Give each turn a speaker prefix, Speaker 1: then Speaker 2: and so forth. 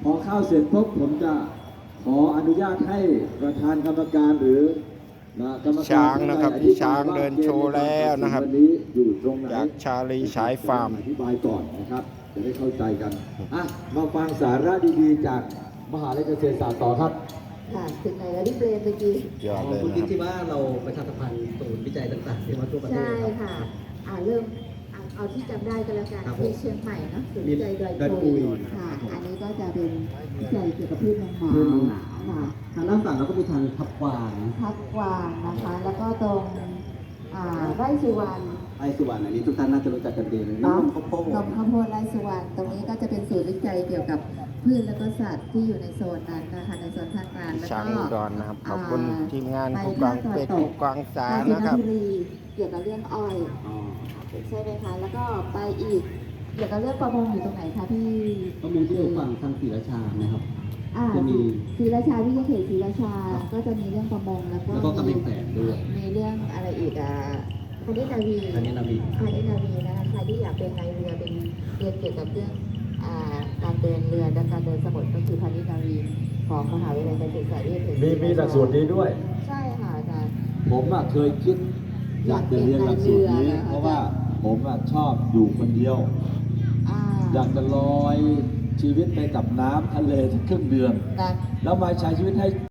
Speaker 1: อเข้าเสร็จปุ๊บผมจะขออนุญาตให้ประธานกรรมการหรือกรรมการ
Speaker 2: ช้างนะครับพี่ช้างเดินโชว์แล้วนะครับ
Speaker 1: วันนี้อยู่ตรงไหน
Speaker 2: จากชาลีฉายฟาร์ม
Speaker 1: อธิบายก่อนนะครับจะได้เข้าใจกันมาฟังสาระดีๆจากมหาวิทยาลัยเกษตรศาสตร์ต่อครับ
Speaker 3: ค่ะถึงไหนแล้วที่เบรนเมื่อกี้
Speaker 2: ยอดเลย
Speaker 4: คุณ
Speaker 2: นะ
Speaker 4: คิด
Speaker 2: ครับ
Speaker 4: ที่ว่าเราประชาสัมพันธ์ศูนย์วิจัยต่างๆที่มาทั่วประเทศ
Speaker 3: ใช่
Speaker 4: ครับ
Speaker 3: ค่ะเริ่มเอาที่จำได้ก็แล้วกัน
Speaker 4: ครับผม
Speaker 3: ที่เชียงใหม่เนอะศูนย์วิจัยดอย
Speaker 4: ดอยปุ
Speaker 3: ปุ
Speaker 4: ย
Speaker 3: ยค่ะ อันนี้ก็จะเป็นวิจัยเกี่ยวกับพืชเมืองหนาว
Speaker 4: พืชเมืองหนาว
Speaker 3: ค่ะ
Speaker 4: ทางด้านฝั่งเราก็มีทางทับกวาง
Speaker 3: พักกวางนะคะ แล้วก็ตรงไร่สุวรรณ
Speaker 4: ไอสุวรรณอันนี้ทุกท่านน่าจะรู้จักกันดีเลยน้ำข้าวโพด
Speaker 3: นมข้าวโพดไร่สุวรรณตรงนี้ก็จะเป็นศูนย์วิจัยเกี่ยวกับพืชและก็สัตว์ที่อยู่ในโซนนั้นนะคะในโซนภาคกลางแล้ว
Speaker 2: ช้าง
Speaker 3: ก็
Speaker 2: อุดรนะครับ ขอบคุณทีมงานผู้กองเป็ดผู้กองสาร
Speaker 3: กาญจ
Speaker 2: นะครับ
Speaker 3: บุรีเกี่ยวกับเรื่องอ้อย
Speaker 4: อ๋อ
Speaker 3: ใช่ไหมคะ แล้วก็ไปอีกเกี่ยวกับเรื่องประมงอยู่ตรงไหนคะพี่
Speaker 4: ประมงที่อยู่ฝั่งทางศรีราชานะครับ จะมี
Speaker 3: ศรีราชาวิทยาเขตศรีราชา ก็จะมีเรื่องประมงแล้วก็
Speaker 4: แล้วก็กำแพงแสนด้วย
Speaker 3: มีเรื่องอะไรอีกคณิตนาวี
Speaker 4: อันนี้นาวี
Speaker 3: คณิตนาวีนะคะใครที่อยากเป็นนายเรือเป็นเรียนเกี่ยวกับเรื่องการเดินเรือและการเดินสมุทรก็คือคณิตนาวีของมหาวิทยาลัยเกษตรศาสตร์วิทยาเขตศรีราชา
Speaker 1: มีหลักสูตรนี้ด้วย
Speaker 3: ใช่ค่ะอาจารย์
Speaker 1: ผมเคยคิดอยากจะเรียนหลักสูตรนี้ เพราะว่าผมชอบอยู่คนเดียว อยากจะลอยชีวิตไปกับน้ำทะเลสักครึ่งเดือน
Speaker 3: นะ
Speaker 1: แล้วมาใช้ชีวิตให้